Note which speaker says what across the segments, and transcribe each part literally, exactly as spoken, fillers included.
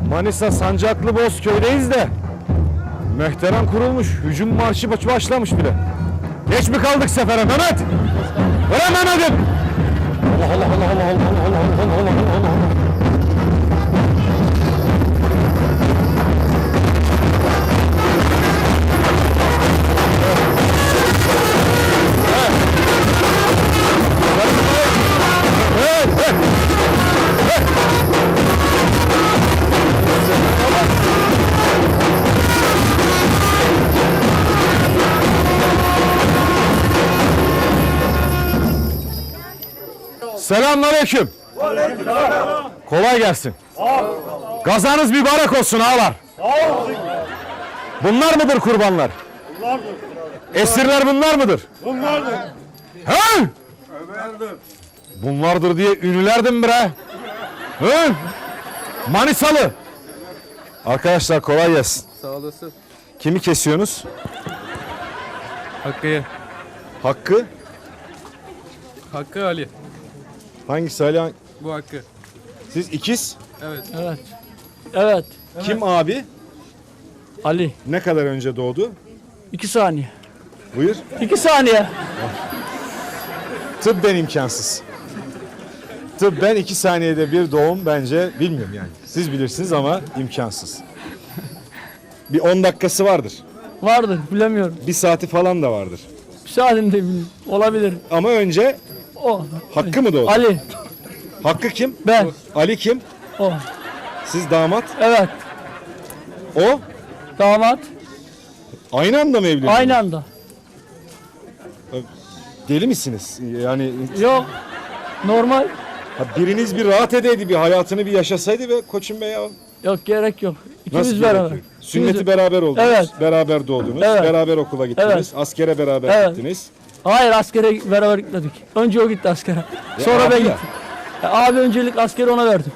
Speaker 1: Manisa Sancaklı Bozköy'deyiz de Mehteran kurulmuş, hücum marşı başlamış bile. Geç mi kaldık sefere Mehmet? Ver Mehmet'im! Allah Allah Allah Allah Allah Allah Allah Allah Allah Allah. Selamünaleyküm. Kolay gelsin. Gazanız mübarek olsun ağalar. Bunlar mıdır kurbanlar?
Speaker 2: Bunlardır.
Speaker 1: Esirler bunlar mıdır?
Speaker 2: Bunlardır.
Speaker 1: He?
Speaker 2: Bunlardır.
Speaker 1: Bunlardır diye ünlülerdim bre. He? Manisalı. Arkadaşlar kolay gelsin.
Speaker 3: Sağ olasın.
Speaker 1: Kimi kesiyorsunuz?
Speaker 3: Hakkı'ya.
Speaker 1: Hakkı.
Speaker 3: Hakkı Ali.
Speaker 1: Hangisi Ali?
Speaker 3: Bu Hakkı.
Speaker 1: Siz ikiz.
Speaker 3: Evet.
Speaker 4: Evet. Evet.
Speaker 1: Kim abi?
Speaker 4: Ali.
Speaker 1: Ne kadar önce doğdu?
Speaker 4: İki saniye.
Speaker 1: Buyur.
Speaker 4: İki saniye.
Speaker 1: Tıbben imkansız. Tıbben iki saniyede bir doğum bence bilmiyorum yani. Siz bilirsiniz ama imkansız. Bir on dakikası vardır.
Speaker 4: Vardır. Bilemiyorum.
Speaker 1: Bir saati falan da vardır.
Speaker 4: Bir saatinde bilmiyorum. Olabilir.
Speaker 1: Ama önce
Speaker 4: O.
Speaker 1: Hakkı mı doğdu?
Speaker 4: Ali.
Speaker 1: Hakkı kim?
Speaker 4: Ben.
Speaker 1: Ali kim?
Speaker 4: O.
Speaker 1: Siz damat.
Speaker 4: Evet.
Speaker 1: O?
Speaker 4: Damat.
Speaker 1: Aynı anda mı evlendiniz?
Speaker 4: Aynı anda.
Speaker 1: Deli misiniz? Yani
Speaker 4: Yok. Normal.
Speaker 1: ha, biriniz bir rahat edeydi, bir hayatını bir yaşasaydı be koçum be ya.
Speaker 4: Yok gerek yok. İkimiz
Speaker 1: Nasıl
Speaker 4: beraber.
Speaker 1: gerekiyor? Sünneti
Speaker 4: İkimiz-
Speaker 1: beraber oldunuz.
Speaker 4: Evet.
Speaker 1: Beraber doğdunuz.
Speaker 4: Evet.
Speaker 1: Beraber okula gittiniz.
Speaker 4: Evet.
Speaker 1: Askere beraber
Speaker 4: Evet.
Speaker 1: gittiniz.
Speaker 4: Hayır askere beraber gitmedik. Önce o gitti askere. Sonra
Speaker 1: abi
Speaker 4: ben
Speaker 1: ya.
Speaker 4: gittim. Ya, abi öncelik askeri ona verdim.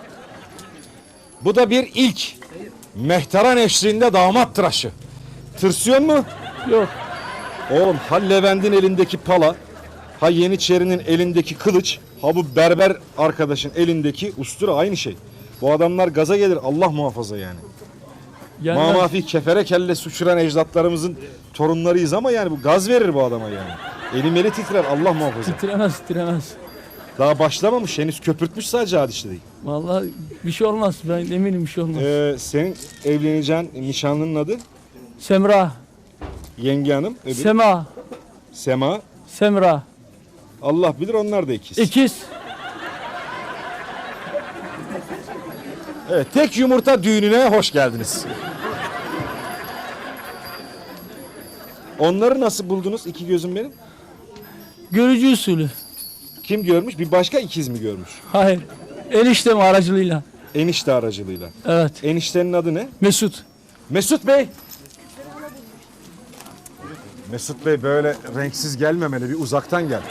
Speaker 1: Bu da bir ilk. Mehteran eşliğinde damat tıraşı. Tırsıyor mu?
Speaker 4: Yok.
Speaker 1: Oğlum ha Levent'in elindeki pala, ha Yeniçeri'nin elindeki kılıç, ha bu berber arkadaşın elindeki ustura aynı şey. Bu adamlar gaza gelir Allah muhafaza yani.
Speaker 4: Yani
Speaker 1: Mamafi kefere kelle suçuran ecdatlarımızın torunlarıyız ama yani bu gaz verir bu adama yani. Elim eli titrer Allah muhafaza.
Speaker 4: titremez titremez.
Speaker 1: Daha başlamamış henüz köpürtmüş sadece hadişte değil.
Speaker 4: Vallahi bir şey olmaz. Ben eminim bir şey olmaz.
Speaker 1: Ee, senin evleneceğin nişanlının adı
Speaker 4: Semra.
Speaker 1: Yenge Hanım. Öbürü
Speaker 4: Sema.
Speaker 1: Sema.
Speaker 4: Semra.
Speaker 1: Allah bilir onlar da ikiz.
Speaker 4: İkiz.
Speaker 1: Evet, tek yumurta düğününe hoş geldiniz. Onları nasıl buldunuz iki gözüm benim?
Speaker 4: Görücü usulü.
Speaker 1: Kim görmüş? Bir başka ikiz mi görmüş?
Speaker 4: Hayır. Eniştem aracılığıyla.
Speaker 1: Enişte aracılığıyla.
Speaker 4: Evet.
Speaker 1: Eniştenin adı ne?
Speaker 4: Mesut.
Speaker 1: Mesut Bey. Mesut Bey böyle renksiz gelmemeli, bir uzaktan gel.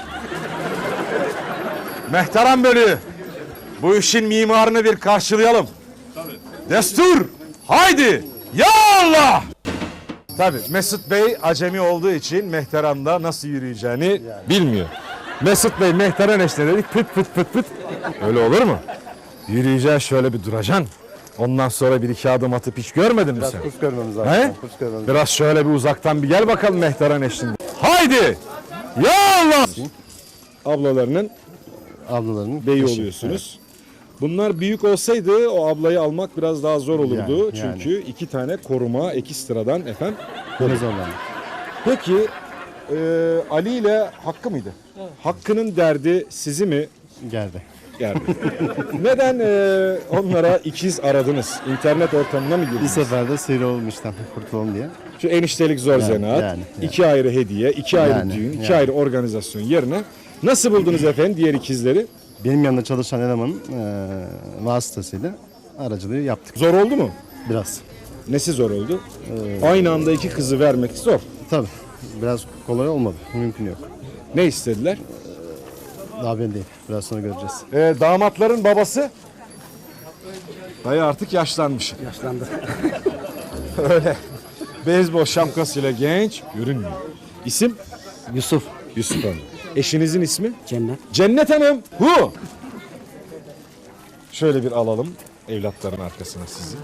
Speaker 1: Mehteran bölüğü. Bu işin mimarını bir karşılayalım. Tabii. Destur. Haydi. Ya Allah. Tabii Mesut Bey acemi olduğu için Mehteran'da nasıl yürüyeceğini yani bilmiyor. Mesut Bey Mehteran eşine dedik pıt pıt pıt pıt. Öyle olur mu? Yürüyeceksin şöyle bir duracaksın. Ondan sonra bir iki adım atıp hiç görmedin mi
Speaker 2: Biraz
Speaker 1: sen?
Speaker 2: kuş görmemiz
Speaker 1: He?
Speaker 2: lazım. Kuş görmemiz
Speaker 1: Biraz şöyle bir uzaktan bir gel bakalım Mehteran eşliğinde. Haydi! Ya Allah! Ablalarının
Speaker 2: Ablalarının
Speaker 1: beyi
Speaker 2: eşi.
Speaker 1: oluyorsunuz. Bunlar büyük olsaydı o ablayı almak biraz daha zor olurdu.
Speaker 2: Yani, yani.
Speaker 1: Çünkü iki tane koruma ekstradan efendim.
Speaker 2: Böyle zorlandı.
Speaker 1: Peki e, Ali ile Hakkı mıydı? Hakkı'nın derdi sizi mi
Speaker 2: Geldi.
Speaker 1: gerdi? Neden e, onlara ikiz aradınız? İnternet ortamına mı
Speaker 2: Bir
Speaker 1: girdiniz?
Speaker 2: seferde sıyrılalım işten kurtulalım diye.
Speaker 1: Şu eniştelik zor
Speaker 2: Yani,
Speaker 1: zanaat,
Speaker 2: yani, yani.
Speaker 1: iki ayrı hediye, iki ayrı
Speaker 2: Yani,
Speaker 1: düğün, iki
Speaker 2: yani.
Speaker 1: ayrı organizasyon yerine nasıl buldunuz efendim diğer ikizleri?
Speaker 2: Benim yanında çalışan elemanın e, vasıtasıyla aracılığı yaptık.
Speaker 1: Zor oldu mu?
Speaker 2: Biraz.
Speaker 1: Nesi zor oldu? Aynı anda iki kızı vermek zor.
Speaker 2: Tabii. Biraz kolay olmadı. Mümkün yok.
Speaker 1: Ne istediler?
Speaker 2: Daha belli değil. Biraz sonra göreceğiz.
Speaker 1: Ee, damatların babası? Dayı artık yaşlanmış.
Speaker 5: Yaşlandı.
Speaker 1: Öyle. Beyzbol şapkasıyla genç görünmüyor. İsim?
Speaker 5: Yusuf.
Speaker 1: Yusuf Hanım. Eşinizin ismi?
Speaker 5: Cennet.
Speaker 1: Cennet Hanım. Hu. Şöyle bir alalım. evlatların arkasına sizi.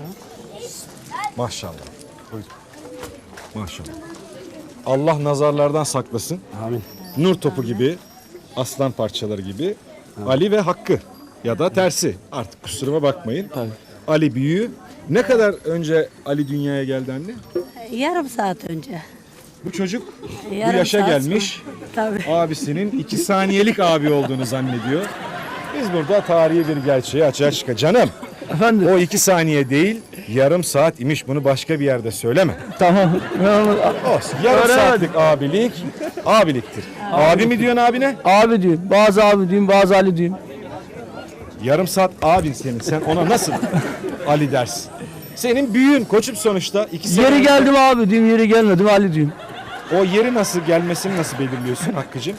Speaker 1: Maşallah. Buyurun. Maşallah. Allah nazarlardan saklasın.
Speaker 5: Amin.
Speaker 1: Nur topu gibi, aslan parçaları gibi Ali ve Hakkı ya da tersi. Artık kusuruma bakmayın.
Speaker 5: Tabii.
Speaker 1: Ali büyüğü. Ne kadar önce Ali dünyaya geldi anne?
Speaker 6: Yarım saat önce.
Speaker 1: Bu çocuk bu
Speaker 6: Yarım
Speaker 1: yaşa
Speaker 6: saat
Speaker 1: gelmiş.
Speaker 6: sonra. Tabii.
Speaker 1: Abisinin iki saniyelik abi olduğunu zannediyor. Biz burada tarihi bir gerçeği açığa çıkar. Canım
Speaker 4: Efendim?
Speaker 1: o iki saniye değil yarım saat imiş, bunu başka bir yerde söyleme.
Speaker 4: Tamam. Ben onu-
Speaker 1: Olsun. Yarım
Speaker 4: Öğrenemedim.
Speaker 1: saatlik abilik abiliktir. Abi mi diyorsun abine?
Speaker 4: Abi diyorum. Bazı abi diyorum, bazı Ali diyorum.
Speaker 1: Yarım saat abin senin. Sen ona nasıl Ali dersin? Senin büyüğün koçum sonuçta. iki sene
Speaker 4: Yeri
Speaker 1: önce-
Speaker 4: geldim abi diyorum, yeri gelmedim Ali diyorum.
Speaker 1: O yeri nasıl gelmesini nasıl belirliyorsun Hakkı'cığım?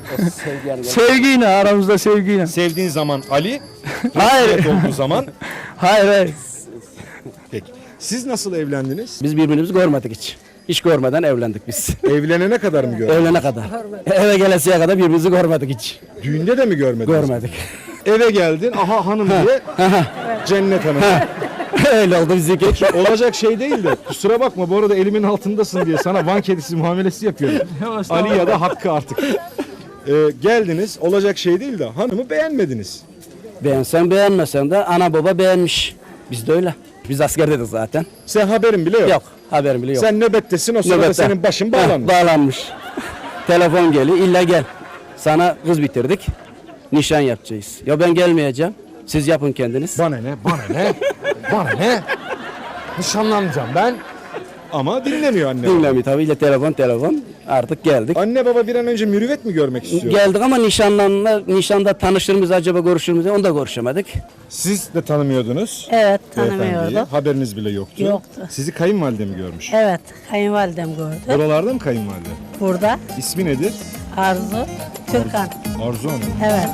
Speaker 4: Sevgiyle, aramızda sevgiyle.
Speaker 1: Sevdiğin zaman Ali,
Speaker 4: Hayır.
Speaker 1: evet olduğu zaman.
Speaker 4: Hayır hayır.
Speaker 1: Peki. Siz nasıl evlendiniz?
Speaker 5: Biz birbirimizi görmedik hiç. Hiç görmeden evlendik biz.
Speaker 1: Evlenene kadar mı gördün?
Speaker 5: Evlene kadar. Eve gelesiye kadar birbirimizi görmedik hiç.
Speaker 1: Düğünde de mi görmediniz?
Speaker 5: Görmedik.
Speaker 1: Eve geldin, aha hanım diye. Cennet hanım.
Speaker 5: Öyle oldu bizimki.
Speaker 1: Olacak şey değil de kusura bakma bu arada elimin altındasın diye sana Van kedisi muamelesi yapıyorum. Ali ya da Hakkı artık. Ee, geldiniz, olacak şey değil de hanımı beğenmediniz.
Speaker 5: Beğensen beğenmesen de ana baba beğenmiş. Biz de öyle. Biz askerdedik zaten.
Speaker 1: Sen haberin bile yok.
Speaker 5: Yok. Haberim bile yok.
Speaker 1: Sen nöbettesin, o sırada
Speaker 5: Nöbette.
Speaker 1: senin başın
Speaker 5: Heh,
Speaker 1: bağlanmış.
Speaker 5: bağlanmış. Telefon geliyor. İlla gel. Sana kız bitirdik. Nişan yapacağız. Ya ben gelmeyeceğim. Siz yapın kendiniz.
Speaker 1: Bana ne, bana ne, bana ne? Nişanlanacağım ben. Ama dinlemiyor anne.
Speaker 5: Dinlemiyor tabii. İlle telefon telefon. Artık geldik.
Speaker 1: Anne baba bir an önce mürüvvet mi görmek istiyor?
Speaker 5: Geldik ama nişanlanma, nişanda tanışır mıyız acaba, görüşür müyüz? Onu da görüşemedik.
Speaker 1: Siz de tanımıyordunuz.
Speaker 6: Evet,
Speaker 1: beyefendiyi.
Speaker 6: tanımıyorduk.
Speaker 1: Haberiniz bile yoktu.
Speaker 6: Yoktu.
Speaker 1: Sizi kayınvalide mi görmüş?
Speaker 6: Evet, kayınvalidem gördü.
Speaker 1: Buralarda mı kayınvalide?
Speaker 6: Burada
Speaker 1: İsmi nedir?
Speaker 6: Arzu Türkan.
Speaker 1: Arzu Hanım.
Speaker 6: Evet.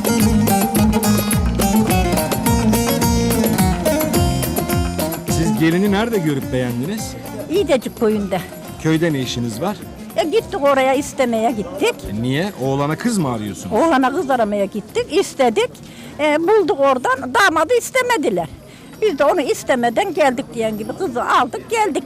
Speaker 1: Siz gelini nerede görüp beğendiniz?
Speaker 6: İdecik köyünde.
Speaker 1: Köyde ne işiniz var?
Speaker 6: E, gittik oraya istemeye gittik.
Speaker 1: E niye? Oğlana kız mı arıyorsunuz?
Speaker 6: Oğlana kız aramaya gittik, istedik. E, bulduk oradan, damadı istemediler. Biz de onu istemeden geldik diyen gibi kızı aldık geldik.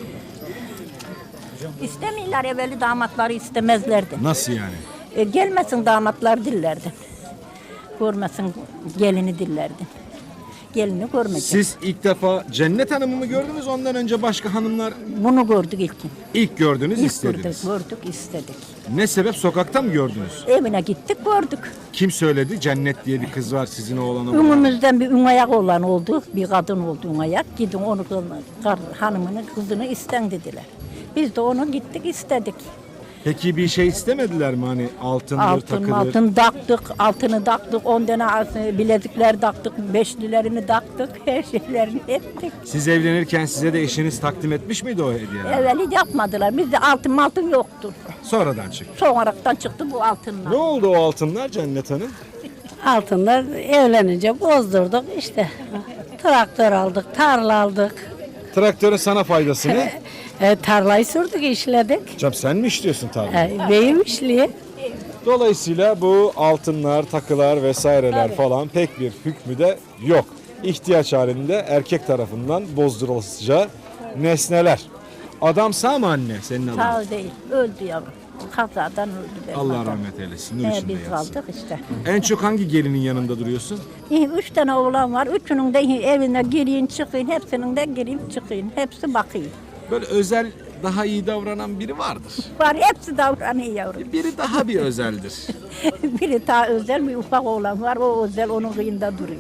Speaker 6: İstemiyorlar, evveli damatları istemezlerdi.
Speaker 1: Nasıl yani?
Speaker 6: E, gelmesin damatlar dillerdi. Görmesin gelini dillerdi. Gelini görmeyecek.
Speaker 1: Siz ilk defa Cennet Hanım'ı mı gördünüz? Ondan önce başka hanımlar
Speaker 6: Bunu gördük ilkin.
Speaker 1: ilk gördünüz,
Speaker 6: İlk
Speaker 1: istediniz.
Speaker 6: gördük, gördük, istedik.
Speaker 1: Ne sebep? Sokakta mı gördünüz?
Speaker 6: Evine gittik, gördük.
Speaker 1: Kim söyledi? Cennet diye bir kız var sizin oğlana.
Speaker 6: Ümümüzden bir ünayak olan oldu, bir kadın oldu ünayak. Gidin onu kız- hanımını, kızını isten dediler. Biz de onu gittik, istedik.
Speaker 1: Peki bir şey istemediler mi? Hani altındır,
Speaker 6: Altın,
Speaker 1: takılır.
Speaker 6: altın taktık, altını taktık, on tane altın- bilezikler taktık, beşlilerini taktık, her şeylerini ettik.
Speaker 1: Siz evlenirken size de eşiniz takdim etmiş miydi o hediyeleri?
Speaker 6: Evveli yapmadılar, bizde altın altın yoktu.
Speaker 1: Sonradan çıktı.
Speaker 6: Sonradan çıktı bu altınlar.
Speaker 1: Ne oldu o altınlar Cennet Hanım?
Speaker 7: Altınlar evlenince bozdurduk işte. Traktör aldık, tarla aldık.
Speaker 1: Traktörün sana faydası ne?
Speaker 7: E, tarlayı sürdük, işledik.
Speaker 1: Canım sen mi işliyorsun tarlayı?
Speaker 7: E, beyim işliği.
Speaker 1: Dolayısıyla bu altınlar, takılar vesaireler falan pek bir hükmü de yok. İhtiyaç halinde erkek tarafından bozdurulacağı nesneler. Adam sağ mı anne senin adın?
Speaker 6: Sağ ol değil, öldü yavrum. Kazadan öldü benim
Speaker 1: Allah
Speaker 6: adam.
Speaker 1: rahmet eylesin. Nur
Speaker 6: He,
Speaker 1: içinde
Speaker 6: biz
Speaker 1: yatsın.
Speaker 6: kaldık işte.
Speaker 1: En çok hangi gelinin yanında duruyorsun?
Speaker 6: İyi, üç tane oğlan var. Üçünün de evine gireyim çıkayım. Hepsinin de gireyim çıkayım. Hepsi bakayım.
Speaker 1: Böyle özel daha iyi davranan biri vardır.
Speaker 6: Var hepsi davranıyor yavrum.
Speaker 1: Biri daha bir özeldir.
Speaker 6: Biri daha özel bir ufak oğlan var. O özel onun kıyında duruyor.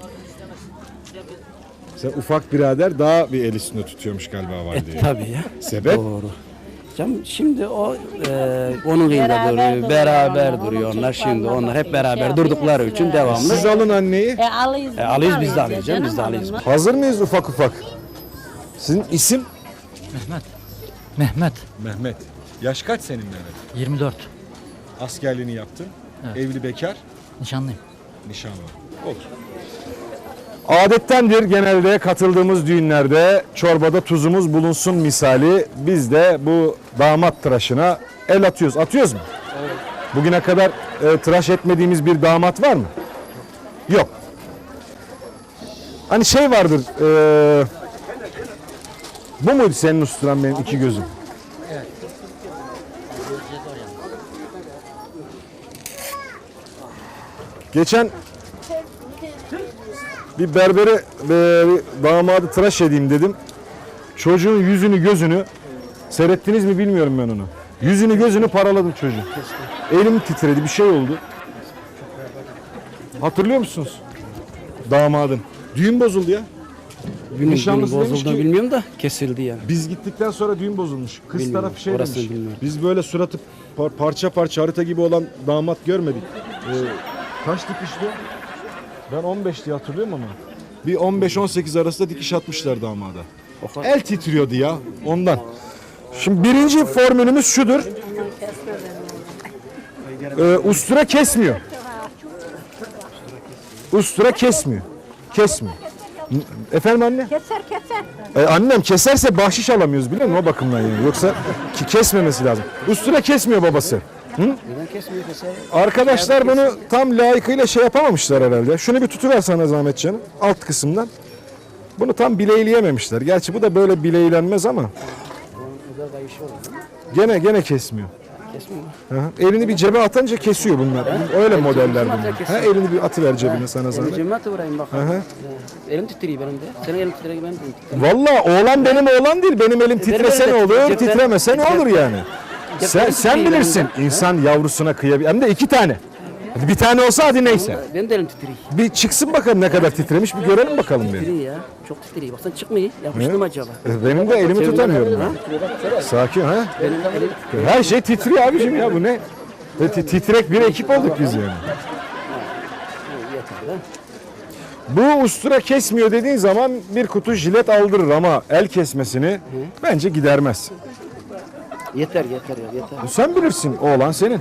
Speaker 1: Sen ufak birader daha bir el üstünde tutuyormuş galiba valideyi.
Speaker 5: Tabii ya.
Speaker 1: Sebep?
Speaker 5: Doğru. Canım şimdi o e, onun kıyında
Speaker 6: Beraber
Speaker 5: duruyor,
Speaker 6: duruyor
Speaker 5: beraber
Speaker 6: onlar,
Speaker 5: duruyor
Speaker 6: onun
Speaker 5: onlar.
Speaker 6: çocuklarla
Speaker 5: Şimdi onlar hep
Speaker 6: şey
Speaker 5: beraber
Speaker 6: yapıyor,
Speaker 5: durdukları
Speaker 6: hepsi
Speaker 5: için
Speaker 6: beraber.
Speaker 5: devamlı.
Speaker 1: Siz alın anneyi.
Speaker 7: E, alıyız.
Speaker 5: E, alıyız biz de alıyoruz canım, biz de alıyoruz.
Speaker 1: Hazır mıyız ufak ufak? Sizin isim?
Speaker 8: Mehmet,
Speaker 1: Mehmet. Yaş kaç senin Mehmet?
Speaker 8: yirmi dört.
Speaker 1: Askerliğini yaptın. Evli bekar.
Speaker 8: Nişanlıyım.
Speaker 1: Nişanlı. Olur. Adettendir genelde katıldığımız düğünlerde çorbada tuzumuz bulunsun misali biz de bu damat tıraşına el atıyoruz. Atıyoruz mu? Evet. Bugüne kadar e, tıraş etmediğimiz bir damat var mı? Yok. Hani şey vardır. eee, bu muydu senin usturan benim iki gözüm? Geçen bir berbere e, bir damadı tıraş edeyim dedim. Çocuğun yüzünü gözünü seyrettiniz mi bilmiyorum ben onu. Yüzünü gözünü paraladım çocuğun. Elim titredi, bir şey oldu. Hatırlıyor musunuz? Damadın. Düğün bozuldu ya.
Speaker 5: Günün,
Speaker 1: Nişanlısı
Speaker 5: günün
Speaker 1: demiş
Speaker 5: bozuldu
Speaker 1: ki-
Speaker 5: bilmiyorum da kesildi yani.
Speaker 1: Biz gittikten sonra düğün bozulmuş. Kız
Speaker 5: Bilmiyorum,
Speaker 1: tarafı şey
Speaker 5: orasını
Speaker 1: demiş.
Speaker 5: bilmiyorum.
Speaker 1: Biz böyle suratı par- parça parça harita gibi olan damat görmedik. Ee, kaç dikişti? Ben on beş diye hatırlıyorum ama. Bir on beş on sekiz arasında dikiş atmışlar damada. El titriyordu ya ondan. Şimdi birinci formülümüz şudur. Ee, ustura kesmiyor. Ustura kesmiyor. Kesmiyor. Efendim anne?
Speaker 6: Keser keser.
Speaker 1: E, annem keserse bahşiş alamıyoruz biliyor musun o bakımdan yani. Yoksa ki kesmemesi lazım. Ustura kesmiyor babası.
Speaker 5: Neden kesmiyor keser?
Speaker 1: Arkadaşlar bunu tam layıkıyla şey yapamamışlar herhalde. Şunu bir tutuver sana zahmet canım. Alt kısımdan. Bunu tam bileyleyememişler. Gerçi bu da böyle bileylenmez ama. Gene gene kesmiyor.
Speaker 5: Kesmiyor mu?
Speaker 1: Hı hı. Elini bir cebe atınca kesiyor bunlar. Öyle modeller bunlar. Ha, elini bir atıver cebine sana
Speaker 5: Elini
Speaker 1: zahmet.
Speaker 5: cebime atıvereyim bak.
Speaker 1: Hı hı.
Speaker 5: Elim titriyor benim de. Senin elin titriyor benim de titriyor.
Speaker 1: Valla oğlan benim oğlan değil. Benim elim titrese ne
Speaker 5: öyle.
Speaker 1: olur,
Speaker 5: Cepten-
Speaker 1: titremese ne olur yani. Sen,
Speaker 5: Cepten
Speaker 1: sen
Speaker 5: titriyor
Speaker 1: bilirsin.
Speaker 5: benim de.
Speaker 1: İnsan yavrusuna kıyabilir. Hem de iki tane. Hadi bir tane olsa hadi neyse.
Speaker 5: Benim de elim titriyor.
Speaker 1: Bir çıksın bakalım ne kadar titremiş bir görelim bakalım bir.
Speaker 5: Titriyor ya. Çok titriyor. Baksana çıkmıyor. Yapıştı mı acaba?
Speaker 1: E, Benim de elimi tutamıyorum. Ha? Sakin ha.
Speaker 5: Benim de elim
Speaker 1: Her şey titriyor abicim ya bu ne? Ve ti- titrek bir ekip olduk biz yani.
Speaker 5: yeter ha.
Speaker 1: Bu ustura kesmiyor dediğin zaman bir kutu jilet aldırır ama el kesmesini bence gidermez.
Speaker 5: Yeter yeter ya yeter.
Speaker 1: Sen bilirsin oğlan senin.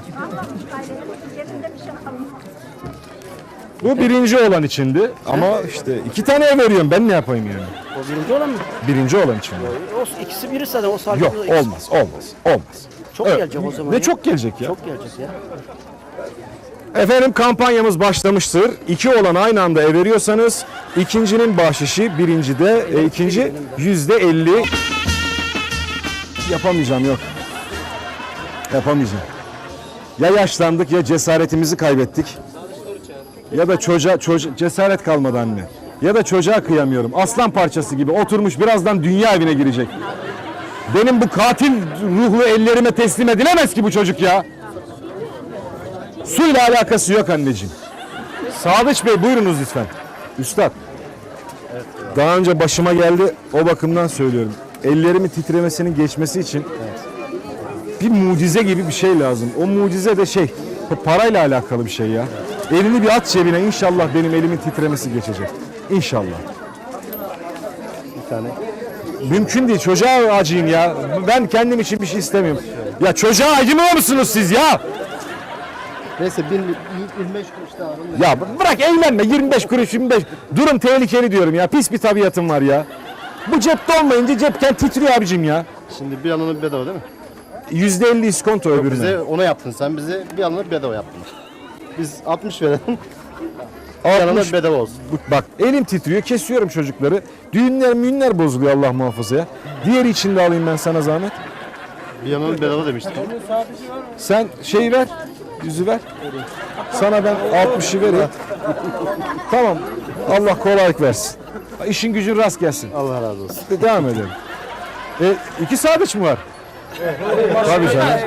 Speaker 1: Bu birinci olan içindi ama işte iki tane veriyorum ben ne yapayım yani.
Speaker 5: O birinci olan mı?
Speaker 1: Birinci olan içindi.
Speaker 5: O ikisi biri zaten o sadece.
Speaker 1: Yok olmaz olmaz olmaz.
Speaker 5: Çok
Speaker 1: Evet.
Speaker 5: gelecek o zaman.
Speaker 1: Ne
Speaker 5: ya.
Speaker 1: çok gelecek ya.
Speaker 5: Çok gelecek ya.
Speaker 1: Efendim kampanyamız başlamıştır. İki olan aynı anda ev veriyorsanız ikincinin bahşişi birincide e, ikinci yüzde elli. Yapamayacağım yok. Yapamayacağım. Ya yaşlandık ya cesaretimizi kaybettik. Ya da çocuğa, çocuğa cesaret kalmadı anne. Ya da çocuğa kıyamıyorum. Aslan parçası gibi oturmuş birazdan dünya evine girecek. Benim bu katil ruhlu ellerime teslim edilemez ki bu çocuk ya. Suyla alakası yok anneciğim. Sadıç Bey buyurunuz lütfen. Üstad. Daha önce başıma geldi o bakımdan söylüyorum. Ellerimin titremesinin geçmesi için bir mucize gibi bir şey lazım. O mucize de şey parayla alakalı bir şey ya. Elini bir at cebine inşallah benim elimin titremesi geçecek. İnşallah.
Speaker 2: Bir tane.
Speaker 1: Mümkün değil çocuğa acıyım ya. Ben kendim için bir şey istemiyorum. Ya çocuğa acımıyor musunuz siz ya?
Speaker 2: Neyse bin, yirmi beş kuruş daha alın.
Speaker 1: Ya bırak eğlenme yirmi beş kuruş yirmi beş. Durum tehlikeli diyorum ya. Pis bir tabiatım var ya. Bu cepte olmayınca cepken titriyor abicim ya.
Speaker 2: Şimdi bir alanı bedava değil mi?
Speaker 1: yüzde elli iskonto öbürüne.
Speaker 2: Bize ona yaptın sen, bize bir alanı bedava yaptın. Biz altmış verelim, bir
Speaker 1: altmış.
Speaker 2: alanı bedava olsun.
Speaker 1: Bak elim titriyor kesiyorum çocukları. Düğünler müğünler bozuluyor Allah muhafaza ya. Diğeri için de alayım ben sana zahmet.
Speaker 2: Bir alanı bedava demiştik.
Speaker 1: Sen şeyi ver. Yüzü ver. Sana ben altmışı vereyim. Tamam. Allah kolaylık versin. İşin gücün rast gelsin.
Speaker 2: Allah razı olsun.
Speaker 1: Devam edelim. E, iki sadıç mı var? Tabii canım.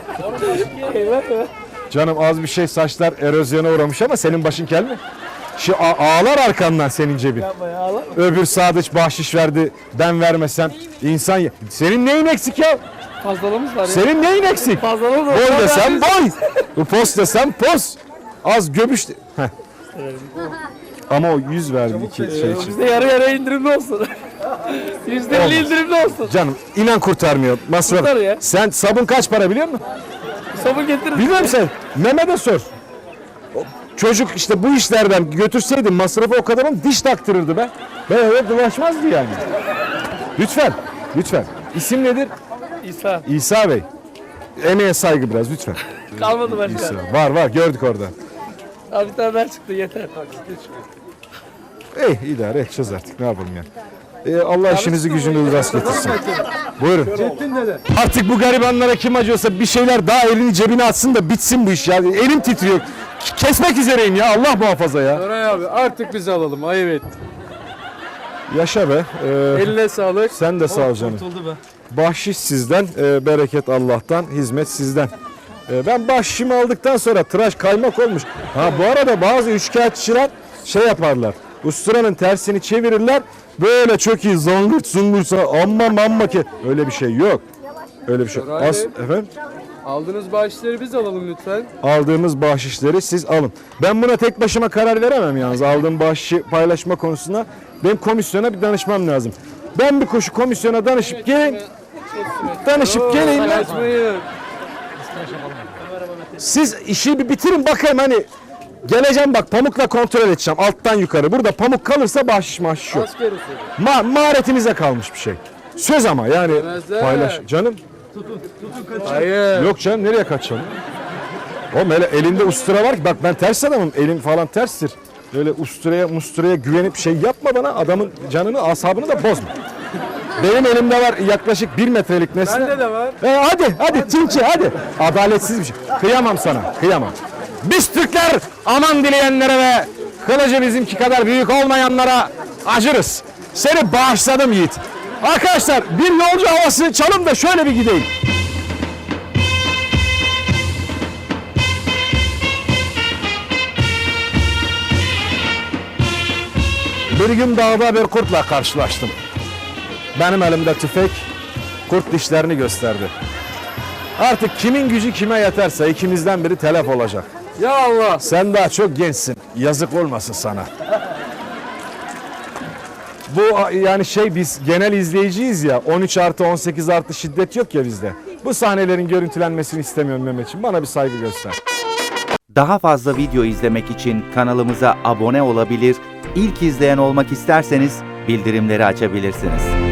Speaker 1: Canım az bir şey saçlar erozyona uğramış ama senin başın kel mi? Şu a- ağlar arkandan senin cebin. Öbür sadıç bahşiş verdi ben vermesem insan ye- senin neyin eksik ya?
Speaker 3: Fazlalığımız var ya.
Speaker 1: Senin neyin eksik?
Speaker 3: Fazlalığımız var.
Speaker 1: Boy desem boy. Bu post desem post. Az göbüş. de- Heh. Ama o yüz verdi iki şey için.
Speaker 3: Bizde yarı yarıya indirimli olsun. Yüzde elli
Speaker 1: Olmaz.
Speaker 3: indirimli olsun.
Speaker 1: Canım inan kurtarmıyor. Masraf.
Speaker 3: Kurtar ya.
Speaker 1: Sen sabun kaç para biliyor musun?
Speaker 3: Sabun getirin.
Speaker 1: Biliyor musun sen? Mehmet'e sor. O çocuk işte bu işlerden götürseydim masrafı o kadar ama diş taktırırdı be. Ben öyle dolaşmazdı yani. Lütfen. Lütfen. İsim nedir?
Speaker 3: İsa.
Speaker 1: İsa Bey. Emeğe saygı biraz lütfen.
Speaker 3: Kalmadı başka.
Speaker 1: İsa. Var var gördük orada.
Speaker 3: Abi bir tane daha çıktı yeter.
Speaker 1: Ey idare edeceğiz artık ne yapalım ya. Ee, Allah işinizi gücünüzü rast getirsin. Buyurun. Artık bu garibanlara kim acıyorsa bir şeyler daha elini cebine atsın da bitsin bu iş ya. Elim titriyor. K- Kesmek üzereyim ya Allah muhafaza ya.
Speaker 8: Koray abi artık biz alalım ayıp et.
Speaker 1: Yaşa be. Ee,
Speaker 8: Eline sağlık.
Speaker 1: sen de sağ ol canım. Bahşiş sizden, e, bereket Allah'tan, hizmet sizden. E, ben bahşişimi aldıktan sonra tıraş kaymak olmuş. Ha bu arada bazı üçkağıtçılar şey yaparlar. Usturanın tersini çevirirler. Böyle çok iyi zangırt zungursa amma mamma ki. Öyle bir şey yok. Öyle bir şey.
Speaker 8: Koray
Speaker 1: As,
Speaker 8: Bey.
Speaker 1: efendim?
Speaker 8: Aldığınız bağışları biz alalım lütfen.
Speaker 1: Aldığımız bahşişleri siz alın. Ben buna tek başıma karar veremem yalnız. Aldığım bahşişi paylaşma konusunda benim komisyona bir danışmam lazım. Ben bir koşu komisyona danışıp geleyim. Danışıp geleyim. ben.
Speaker 8: Paylaşmayın.
Speaker 1: Siz işi bir bitirin bakayım hani. Geleceğim bak pamukla kontrol edeceğim alttan yukarı. Burada pamuk kalırsa bahşiş mahşiş yok.
Speaker 8: Asker usulü.
Speaker 1: Ma maharetinize kalmış bir şey. Söz ama yani
Speaker 8: Yemezler.
Speaker 1: paylaş. Canım
Speaker 8: Hayır.
Speaker 1: yok canım nereye kaçalım? Oğlum hele elinde ustura var ki bak ben ters adamım elim falan terstir. Böyle usturaya musturaya güvenip şey yapma bana adamın canını asabını da bozma. Benim elimde var yaklaşık bir metrelik nesne.
Speaker 8: Bende de var.
Speaker 1: E hadi hadi Tinçi hadi. Adaletsiz bir şey. Kıyamam sana kıyamam. Biz Türkler aman dileyenlere ve kılıcı bizimki kadar büyük olmayanlara acırız. Seni bağışladım Yiğit. Arkadaşlar bir yolcu havası çalın da şöyle bir gideyim. Bir gün dağda bir kurtla karşılaştım. Benim elimde tüfek kurt dişlerini gösterdi. Artık kimin gücü kime yeterse ikimizden biri telef olacak.
Speaker 8: Ya Allah.
Speaker 1: Sen daha çok gençsin. Yazık olmasın sana. Bu yani şey biz genel izleyiciyiz ya. on üç artı on sekiz artı şiddet yok ya bizde. Bu sahnelerin görüntülenmesini istemiyorum Mehmetciğim. Bana bir saygı göster.
Speaker 9: Daha fazla video izlemek için kanalımıza abone olabilir, ilk izleyen olmak isterseniz bildirimleri açabilirsiniz.